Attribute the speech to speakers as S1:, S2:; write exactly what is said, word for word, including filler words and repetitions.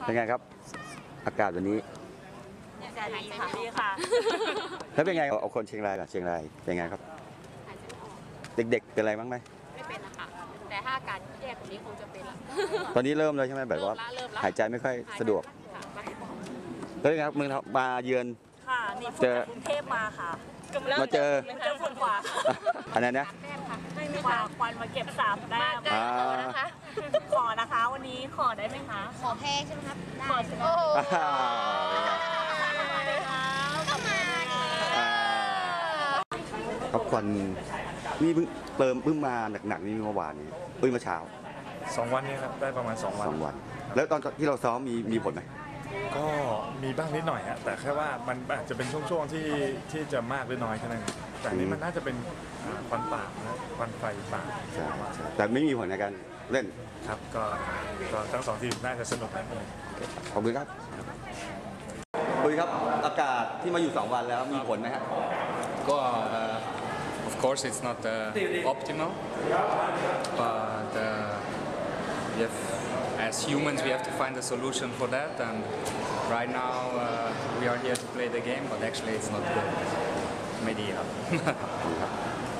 S1: เป็นไงครับอากาศวันนี้
S2: จะดีค่ะดีค่ะ
S1: แล้วเป็นไงเอาคนเชียงรายก่อนเชียงรายเป็นไงครับเด็กๆเป็นอะไรบ้างไหม
S2: ไม่เป็นละค่ะแต่ถ้าอาการแย่กว่านี้คงจะเป็นละ
S1: ตอนนี้เริ่มเลยใช่ไหมแบบว่าหายใจไม่ค่อยสะดวกแล้วเป็นไงครับเมืองมาเยือน
S2: ค่ะนี่ฝุ่นจากกรุงเทพมาค่ะ
S1: มาเจอ
S2: เจอฝุ่นกว่า
S1: อันนั้นนะ
S2: ไม่มีค่ะควันมาเก็บสามแต้ม
S1: อ่า
S2: ขอนะคะวันนี้ขอได้ไหมคะ
S3: ขอแพงใช่ไหมครับได้
S2: ขอโอ้โห
S1: ครับควันนี่เพิ่งเติมเพิ่งมาหนักๆนี่เมื่อวานนี้เพิ่งมาเช้า
S4: สองวันนี้ครับได้ประมาณสองวัน
S1: สองวันแล้วตอนที่เราซ้อมมีมีผลไหม
S4: ก็มีบ้างนิดหน่อยฮะแต่แค่ว่ามันอาจจะเป็นช่วงๆที่ที่จะมากหรือน้อยแค่นั้นแต่นี้มันน่าจะเป็นควันป่านะควันไฟป่า
S1: ใช่แต่ไม่มีผลในการเล่น
S4: ครับก็ก็ทั้งสองทีมน่าจะสนุกนะ
S1: ขอบคุณครับคุยครับอากาศที่มาอยู่สองวันแล้วมีผลไหมฮะ
S5: ก็ of course it's not uh, optimal but uh, we have, as humans we have to find a solution for that and right now uh, we are here to play the game but actually it's not good ไม่ดีครับ